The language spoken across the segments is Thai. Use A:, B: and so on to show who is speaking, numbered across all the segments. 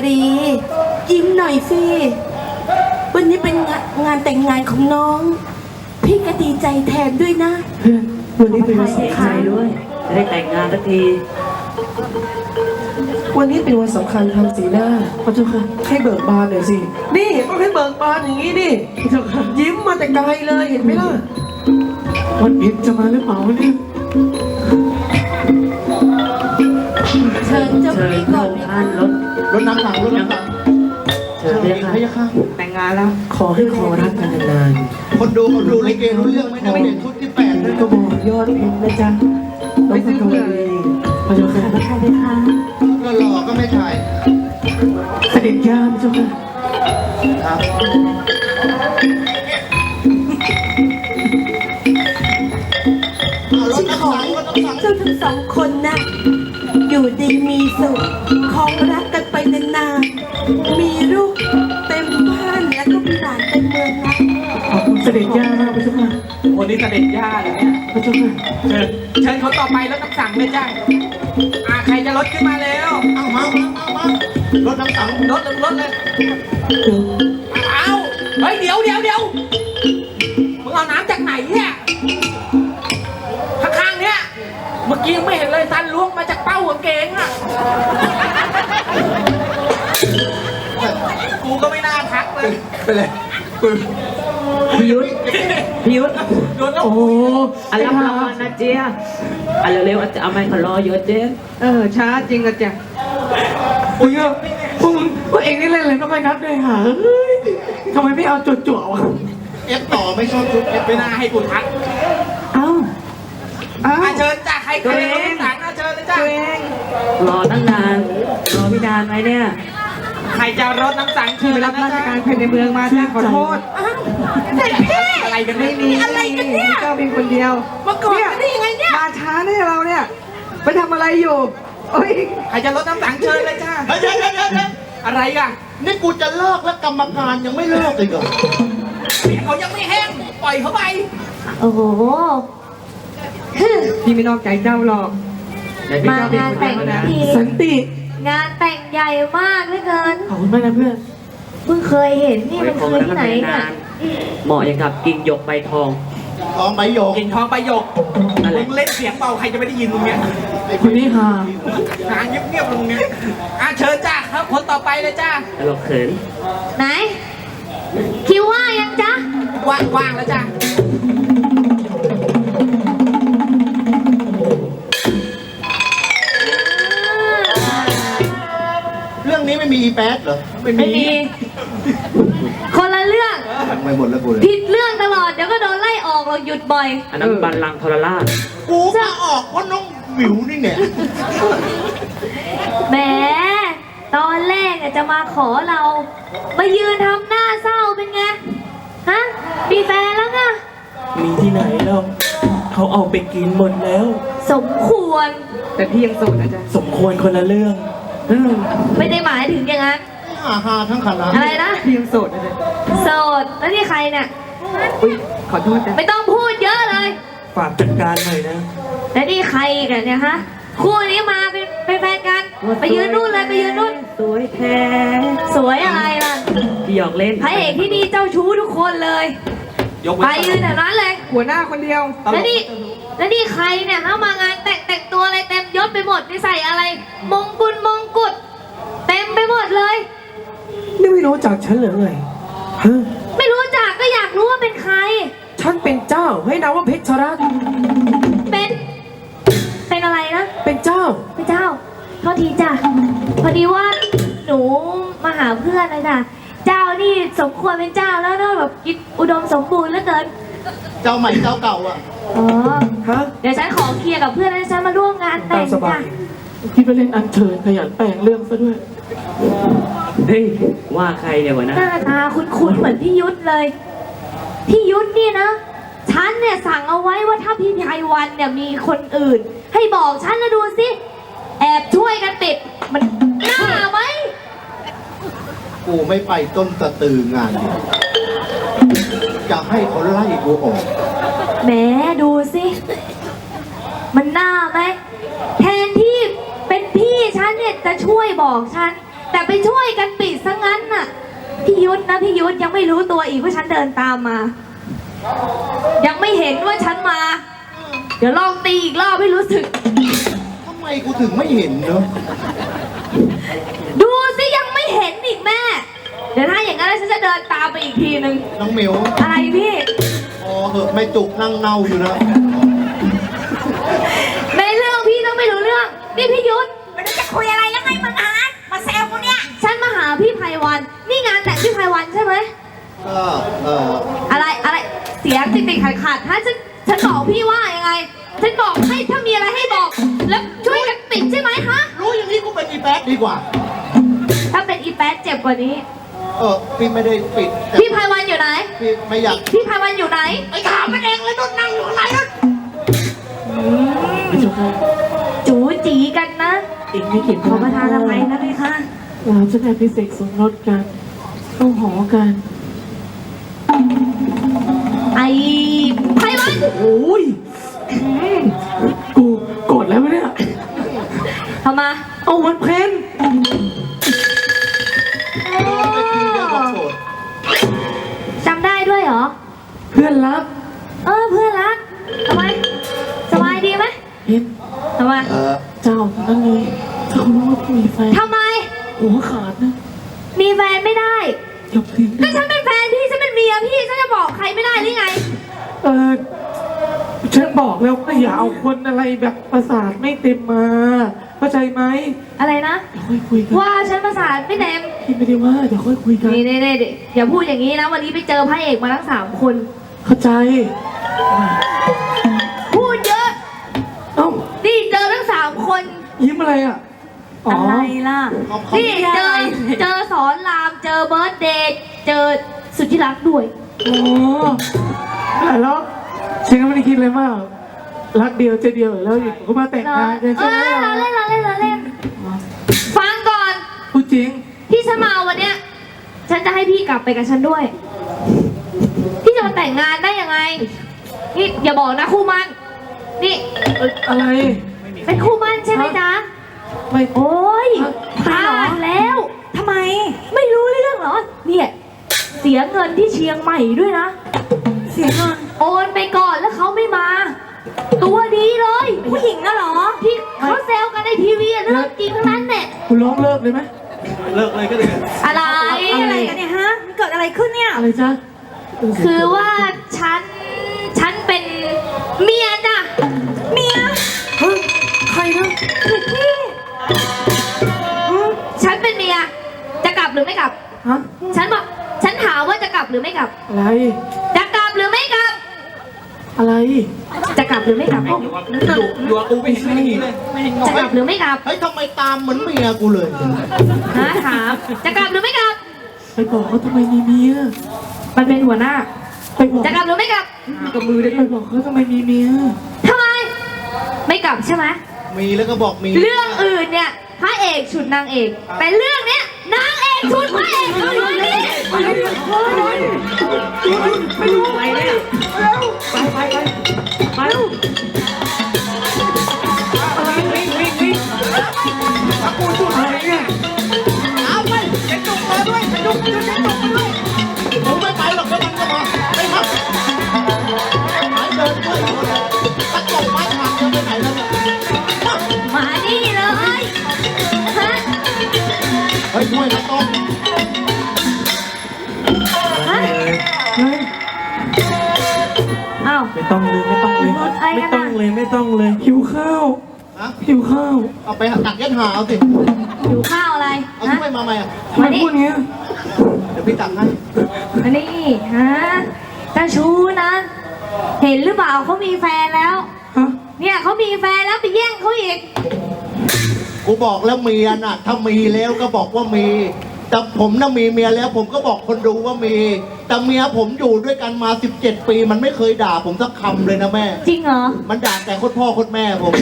A: ดียิ้มหน่อยสิวันนี้เป็นงานแต่งงานของน้องพี่ก็ดีใจแทนด้วยนะ
B: เพื่อนวันนี้เป็นวันสำคัญ
C: ด้วยจะได้แต่งงานสักที
B: วันนี้เป็นวันสำคัญทำสีหน้าพระเจ้าค่ะให้เบิกบานหน่อยสินี่ต้องให้เบิกบานอย่างนี้ดิพระเจ้าค่ะยิ้มมาแต่ไกลเลยเห็นไหมล่ะวันเพ็ญจะมาหรือเปล่าเนี่ย
A: เชิญเจ้า
C: เชิญ
A: พี่
C: พ
A: ก่
C: ระ
A: อน
C: องค์
A: เลย
C: ท่านรถ
D: น้ำหลังรถน้ำหลัง
C: เชิญเลยค่ะ
B: แต่งงานแล้วขอให้ขอรักกันนาน
D: คนดูเขาดูลิเกรู้เรื่องไหมเนี่ยเปลี่ยนชุดที่8
B: ๆ
D: เล
B: นั่
D: ย
B: นก็บอกยอดเพชรนะจ๊ะไม่ซื้อเพื่อนพระเจ้าค่ะ
A: ใครไหมคะ
D: ก็หล่อก็ไม่ถ่าย
B: เสด็จย่าพระเจ้าค่ะ
D: ครับรถ
A: ฉัน
D: น้ำ
A: ขอ
D: หลัง
A: ให้
D: รถน้ำหลัง
A: เจ้าทั้งสองคนนะอยู่ดีมีสุขครองรักกันไปนานๆมีลูกเต็มบ้านแล้วก็มีหลานเต็มเมืองนะ
B: ขอบคุณเสด็จย่ามากพระเจ้าค่ะ
E: คนนี้เสด็จย่าเลยเนี่ย
B: พระเจ้าค่ะ
E: เชิญคนต่อไปแล้วต้องสั่งเลยจ้าใครจะรถขึ้นมาแล้ว
D: เอามารถน้ำหลัง
E: รถเลยเอาเฮ้ยเดี๋ยวมึงเอาน้ำจากไหนเนี่ยข้างๆเนี่ยเมื่อกี้ยังไม่เห็นเลยซันล้วงมาจากเป้ากางเกงอ่ะกูก็ไม่น่าทักเลย
D: ไปเลย
C: พี่ยุทธ
E: โดนแล้ว
B: โอ้โห
C: อันรับรางวัลนะเจี๊ยอันเร็วๆจะเอาไม้ขอรอเยอะเจ๊
B: ช้าจริงอะจ๊ะโอ้ยพวกเองนี่เล่นอะไรก็ไม่นับเลยหาเฮ้ยทำไมไม่เอาจั่วๆวะ
D: เอฟต่อไม่ชอบชุดเอฟ
E: ไม่น่าให้กูทัก
B: เอ้า
E: เชิญจ้าใครรถน้ำหลังเชิญเลยจ้าร
C: อตั้งนานรอพี่นานไหมเนี่ย
E: ใครจะรถน้ำสังเชิญ
B: ไปรับราชการภายในเมืองมาจ้ะขอโทษ
E: อะไรกันไม่มี
A: อะไรกันเนี่ย
B: เจ้าเพียงคนเดียว
A: มาก่อนกันได้ยังไงเนี่ย
B: มาช้าเนี่ยเราเนี่ยไปทำอะไรอยู่โอ้ย
E: ใครจะรถน้ำสังเชิญเลยจ้า
D: เดี๋ยว
E: อะไรกัน
D: นี่กูจะเลิกแล้วกรรมการยังไม่เลิกอีกเหรอ
E: เสียงเขายังไม่แห้งปล่อยเขาไป
A: โอ้โห
B: พี่ไม่นอกใจเจ้าหรอก
A: มางานแต่งที
B: สันติ
A: งานแต่งใหญ่มากเหลือเกิน
B: ขอบคุณมากนะเพื่อน
A: เพิ่งเคยเห็นนี่มันคือที่ไหนเนี่ย
C: เหมาะอย่างกับกิ่งหยกใบทอง
D: ทองใบหยก
E: กินทองใบหยก
C: นั่นแห
E: มึ
C: ละ
E: งเล่นเสียงเบาใครจะไม่ได้ยินมึงเนี่ย
B: คนนี้หา
E: หาเงียบๆลงเนี่ยเชิญจ้าครับคนต่อไปเลยจ้า
C: ตลกเขิน
A: ไหน คิวว่ายังจ๊ะ
E: ว่างแล้วจ้า
D: เรื่องนี้ไม่มีอีแป๊ดเหรอ
E: ไม่มี
A: ไม่มี คนละเรื่อง
D: ไม่หมดแล้วกูเลย
A: ผิดเรื่องตลอด เดี๋ยวก็โดนไล่ออกเราหยุดบ่อย
C: อันนั้นบัลลังก์ทรราช
D: กูมาออกเพราะน้องหมิวนี่เนี่ย
A: แหม ตอนแรกอะจะมาขอเรา มายืนทำหน้าเศร้าเป็นไง ฮะ มีแฟนแล้วไง
B: มีที่ไหนแล้วเขาเอาไปกินหมดแล้ว
A: สมควร
B: แต่พี่ยังโสดนะจ๊ะสมควรคนละเรื่อง
A: ไม่ได้หมายถึงอย่างนั้น
D: ฮาทั้งคณะ
A: อะไรนะ
B: พี่ยังโสดนะจ๊ะ
A: โสด แล้วนี่ใครเนี่ย
B: อุ้ยขอโทษนะ
A: ไม่ต้องพูดเยอะเลย
B: ฝากจัดการหน่อยนะ
A: แล้วนี่ใครกันเนี่ยฮะ คู่นี้มาเป็นแฟนกัน ไปยืนนู่นเลยไปยืนนู่น
C: สวยแท้
A: สวยอะไรล่ะ
C: พี่หยอกเล่น
A: พระเอกที่นี่เจ้าชู้ทุกคนเลย
E: ยก
A: ไป
E: เว้น
A: ยืนแถวนั้นเลย
B: หัวหน้าคนเดียว
A: แล้วนี่ใครเนี่ยเข้ามางานแต่งตัวอะไรเต็มยศไปหมดนี่ใส่อะไร มงกุฎเต็มไปหมดเลย
B: นี่ไม่รู้จักฉันเหรือไงฮะ
A: ไม่รู้จักก็อยากรู้ว่าเป็นใคร
B: ฉันเป็นเจ้าให้นามว่าเพชรรัตน์
A: เป็นอะไรนะ
B: เป็นเจ้า
A: พระเจ้าโทษทีจ้ะพอดีว่าหนูมาหาเพื่อนนะจ้ะเจ้านี่สมควรเป็นเจ้าแล้วเนอะแบบกินอุดมสมบูรณ์เหลือเกิน
D: เจ้าใหม่เจ้าเก่าอ่ะ
A: อ๋อ
B: ฮะ
A: เดี๋ยวฉันขอเคลียร์กับเพื่อนแล้วฉันมาร่วมงานแต่
B: ตาม
A: ง
B: สบา
A: จ้ะ
B: ยคิดว่าเล่นอันเชิญขยันแปลงเรื่องซะด้วย
C: เฮ้ยว่าใครเนี่ยวะนะ
A: หน้าตาคุ้นๆเหมือนพี่ยุทธเลย พี่ยุทธนี่นะฉันเนี่ยสั่งเอาไว้ว่าถ้าพี่ไพวันเนี่ยมีคนอื่น ให้บอกฉันแล้วดูสิแอบช่วยกันปิดมันน่าไหม
D: กูไม่ไปต้นตะตืองานนี้จะให้เขาไล่กูออก
A: แหมดูสิมันน่าไหมแทนที่เป็นพี่ฉันเนี่ยจะช่วยบอกฉันแต่ไปช่วยกันปิดซะงั้นน่ะพี่ยุทธนะพี่ยุทธยังไม่รู้ตัวอีกว่าฉันเดินตามมา ยังไม่เห็นว่าฉันมา เดี๋ยวลองตีอีกรอบให้รู้สึก
D: ทำไมกูถึงไม่เห็นเนอะ
A: ดูสิยังไม่เห็นอีกแม่ เดี๋ยวถ้าอย่างนั้นฉันจะเดินตามไปอีกทีนึง
D: น้องเหมียว
A: อะไรพี่
D: อ๋อเหอะไม่จุกนั่งเน่าอยู่นะ
A: ในเรื่องพี่ต้องไม่รู้เรื่องนี่พี่ยุทธ
F: มันจะคุยอะไรยังไงมึงฮะมาแซวกูเนี่ย
A: ฉันมาหาพี่ไพวันนี่งานแต่งพี่ไพวันใช่ไหม
D: ก็
A: อะไรเสียงติดขัดถ้าฉันบอกพี่ว่ายังไงฉันบอกให้ถ้ามีอะไรให้บอก แล้วช่วยกันปิดใช่ไหมคะ
D: รู้อย่างนี้กูเป็นอีแป๊ดดีกว่า
A: ถ้าเป็นอีแป๊ดเจ็บกว่านี้
D: พี่ไม่ได้ปิดแต่
A: พี่ไพวันอยู่ไหน
D: พี่ไม่อยาก
A: พี่ไพวันอยู่ไหน
D: ไอ้ถามมันเองเลยนุ่นนั่งอยู่ข้างในนั่น
B: พระเจ้าค่ะ
A: จูจีกันนะ
B: อีกไม่กี่
A: ขอประทานอภัยนะพี่คะ
B: เราจะได้พิเศษสมรสกันต้องหอกัน
A: ไอ้ไพวัน
B: โอ้ยกูโกรธแล้วไหมเนี่ย
A: ทำไมา
B: เอาวันเพ็ญ
D: ไปทีเดียวก็โกรธ
A: จำได้ด้วยเหรอ
B: เพื่อนรัก
A: เพื่อนรักทำไมสบายดีไหม
B: เห็น
A: ทำไม
B: เจ้าทั้งนั้นเลยถ้าเขารู้ว่าพี่มีแฟน
A: ทำไม
B: หัวขาดนะ
A: มีแฟนไม่ได้
B: ยกทิ้ง
A: ก็ฉันเป็นแฟนพี่ฉันเป็นเมียพี่ฉันจะบอกใครไม่ได้หรือไง
B: ฉันบอกแล้วว่าอย่าเอาคนอะไรแบบประสาทไม่เต็มมาเข้าใจไหม
A: อะไรนะ
B: เดี๋ยวค่อยคุยกัน
A: ว่าฉันประสาทไม่เต็ม
B: พี่ไม่ได้ว่าเดี๋ยวค่อยคุยกัน
A: นี่อย่าพูดอย่างนี้นะวันนี้ไปเจอพระเอกมาทั้ง3 คน
B: เข้าใจ
A: พูดเยอะ
B: เอ้า
A: นี่เจอทั้ง3 คน
B: ยิ้มอะไรอ่ะอ๋อ
A: อะไรล่ะ
D: เขา
A: นี่เจอสอนรามเจอเบิร์ดเดย์เจอสุดที่รักด้วย
B: โอ้แต่แล้วฉันก็ไม่ได้คิดเลยมากรักเดียวใจเดียวแล้วอยู่ก็มาแต่งงานกัน
A: เอ
B: ใช่ไหม
A: อเราเล่นฟังก่อน
B: พูดจริง
A: ที่ฉันมาวันเนี้ยฉันจะให้พี่กลับไปกับฉันด้วย พี่จะมาแต่งงานได้ยังไง นี่อย่าบอกนะคู่มั่นนี่
B: อะไร
A: เป็นคู่มั่นใช่ไหมจ๊ะ
B: ไม่
A: โอ้ย
B: ฮะ
A: พลาดแล้ว
F: ทำไม
A: ไม่รู้เรื่องเหรอ เนี่ย เสียเงินที่เชียงใหม่ด้วยนะ
F: เสียเงิน
A: โอนไปก่อนแล้วเขาไม่มา ตัวดีเลย
F: ผู้หญิงน่ะเหรอ
A: ที่เขาแซวกันในทีวีอะเรื่องจริงทั้งนั้นเนี่ย
B: คุณร้องเลิกเลยไหม
D: เลิกเลยก็เลย
A: อะไร
F: อะไรกันเนี่ยฮะ มันเกิดอะไรขึ้นเนี่ย
B: อะไรจ๊ะ
A: คือว่าฉันเป็นเมียจ้ะ
F: เมีย
B: เฮ้ยใครนะ
A: ฉันเป็นเมีย จะกลับหรือไม่กลับ
B: ฮะ
A: ฉันถามว่าจะกลับหรือไม่กลับ
B: อะไร
A: จะกลับหรือไม่กลับ
B: อะไร
A: จะกลับหรือไม่กลับ
E: อยู่กับกูไม่เห็นไม่ดีเลย
A: จะกลับหรือไม่กลับ
D: เฮ้ยทำไมตามเหมือนเมียกูเลย
A: ถาม จะกลับหรือไม่กลับ
B: ไปบอกเขาทำไมมีเมีย
A: มันเป็นหัวหน้า
B: ไปบอก
A: จะกลับหรือไม่กลับ
B: กับมือได้ไปบอกเขาทำไมมีเมีย
A: ทำไม ไม่กลับใช่ไหม
D: มีแล้วก็บอกมี
A: เรื่องอื่นเนี่ยพระเอกฉุดนางเอก แต่เรื่องเนี้ยนางเอกฉุดพระเอกเอาอยู่นี่
E: ไปเนี่ยไปวิ่ง
B: กูจุดอะไรเนี่ย
D: เอาไปเจ๊จุกมาด้วยเจ๊จุกมาด้วยผมไม่ไปหรอกเดี๋ยวมันก็มาไปครับหายเดินด้วยตะกบไม้หักจะไปไหนแล้วเนี่ย
A: มานี่เลยฮะ
D: เฮ้ยช่วยนะต้อง
A: ฮะ
B: เฮ้ย
A: อ้าว
B: ไม่ต้องเลยไม่ต้องเลย
A: อะไรกันอะ
B: ไม่ต้องเลยหิวข้าว
D: นะ
B: หิวข้าว
D: เอาไปตักยัดหาเอาสิ
A: หิวข้าวอะไร
D: เอา
A: ฮะ
D: ช่วยมาไหมอ่ะ
B: ทำไมพูดอย่างเงี้ย
D: เดี๋ยวพี่ตักให้
A: อันนี้ฮะตาชูนะ เห็นหรือเปล่าเขามีแฟนแล้ว
B: ฮะ
A: เนี่ยเขามีแฟนแล้วไปแย่งเขาอีก
D: กูบอกแล้วเมียน่ะ ถ้ามีแล้วก็บอกว่ามี แต่ผมน่ะมีเมียแล้ว ผมก็บอกคนดูว่ามี แต่เมียผมอยู่ด้วยกันมา 17 ปีมันไม่เคยด่าผมสักคำเลยนะแม่
A: จริงเหรอ
D: มันด่าแต่คนพ่อคนแม่ผม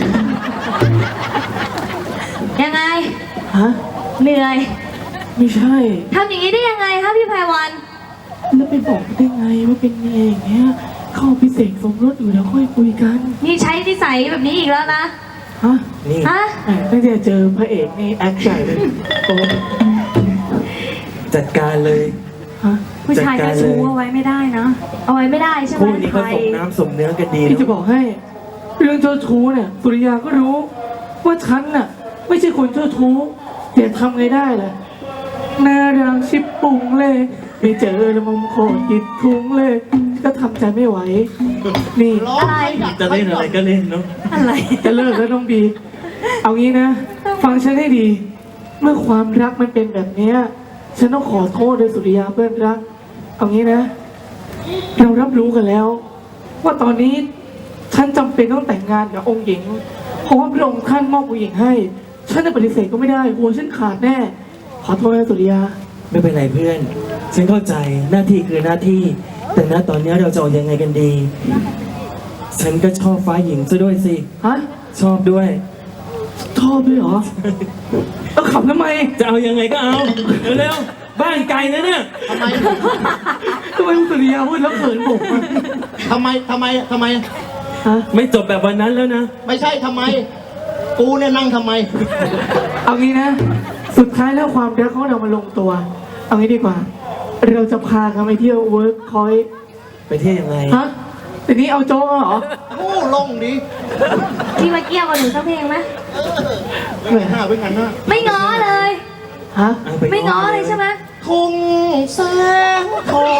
A: ยังไง
B: ฮะ
A: เหนื่อย
B: ไม่ใช่
A: ทำอย่างนี้ได้ยังไงคะพี่ไพวัน
B: แล้วไปบอกได้ไงว่าเป็นเมียอย่างเงี้ยเข้าพิเศษสมรสอยู่แล้วค่อยคุยกัน
A: นี่ใช้นิสัยแบบนี้อีกแล้วนะ
B: ฮะนี่
A: ฮะ
B: ตั้งแต่เจอพระเอกนี่แอคใหญ่เลยโต
G: จัดการเลย
F: ฮะผู้ชายเจ้าชู้เอาไว้ไม่ได้นะ
A: เอาไว้ไม่ได้ใช่ไหม
G: คู่นี้เขาสมน้ำสมเนื้อกันดี
B: พี่จะ
G: เน
B: บ
G: อะ
B: อกให้ เรื่องเจ้าชู้เนี่ยสุริยาก็รู้ ว่าฉันน่ะ ไม่ใช่คนเจ้าชู้แต่ทำไงได้ล่ะน่ารักชิบปุงเลยไม่เจอแล้วมุมโคตรจิตทุงเลย ก็ทำใจไม่ไหว นี่
D: ร้องให้ดัก
G: จะเล่นอะไรก็เล่นเนาะ
F: อะไร
B: จะเลิกแล้วน้องบี เอางี้นะ ฟังฉันให้ดี เมื่อความรักมันเป็นแบบเนี้ยฉันต้องขอโทษเลยสุริยาเพื่อนรัก เอางี้นะ เรารับรู้กันแล้ว ว่าตอนนี้ฉันจำเป็นต้องแต่งงานกับองค์หญิง เพราะว่าพระองค์ท่านมอบองค์หญิงให้ ฉันจะปฏิเสธก็ไม่ได้หัวฉันขาดแน่ ขอโทษนะสุริยา
G: ไม่เป็นไรเพื่อน ฉันเข้าใจหน้าที่คือหน้าที่ แต่ณตอนนี้เราจะเอายังไงกันดี ฉันก็ชอบฟ้าหญิงซะด้วยสิ
B: ฮะ
G: ชอบด้วย
B: ชอบด้วยเหรอเอาขับทำไม
G: จะเอายังไงก็เอาเร็วๆบ้านไกลนะเนี่ย
D: ทำไม
B: ทำไมสุริยาพูดแล้วเขินผมอะ
D: ทำไม
B: ฮะ
G: ไม่จบแบบวันนั้นแล้วนะ
D: ไม่ใช่ทำไม กูเนี่ยนั่งทำไม
B: เอางี้นะ สุดท้ายแล้วความรักของเรามาลงตัว เอางี้ดีกว่า เราจะพากันไปเที่ยวเวิร์กคอย
G: ไปเที่ยวยังไง
B: ฮะทีนี้เอาโจ๊กเหรอ
D: โอ้ลงดิ
A: พี่มาเกี่ยวกับหนูสักเพลงไหม
D: เหนื่อยหน้าเป็นงั้นนะ
A: ไม่ง้อเลย
B: ฮะ
G: เอาป
A: ไม่ง้อเลยใช่ไหม
D: ทุ่งแสงทอง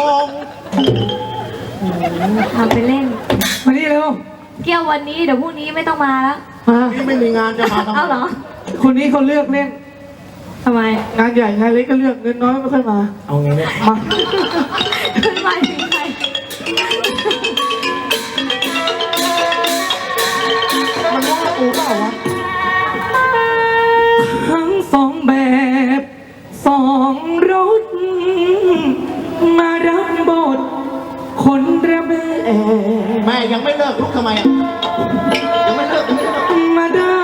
A: ทำไปเล่น
B: มานี่เร็ว
A: เกี่ยววันนี้เดี๋ยวพรุ่งนี้ไม่ต้องมาแล้ว
B: มา
D: นี่ไม่มีงานจะมาทำไม
A: เอาเหรอ
B: คนนี้เขาเลือกเล่น
A: ทำไม
B: งานใหญ่งานเล็กก็เลือกเงินน้อยไม่ค่อยมา
G: เอาไงเนี่ย
B: มา
A: ขึ้นไปถึงใคร
D: มันว่ากูเปล่าวะ
B: ทั้งสองแบบสองรถ มารับบทคนระเบิด
D: แม่ยังไม่เลิกลุกทำไมอ่ะยังไม่เลิก
B: มาได้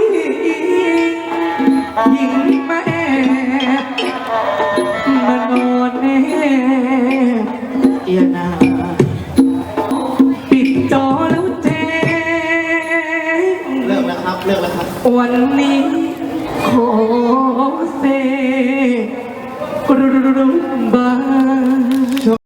B: หญิงมาแอบมานอนแนบเอียนาปิดจอแล้วแจ้ง
D: เลิกแล้วครับเลิกแล้วครับ
B: วันนี้ขอเซกรุบา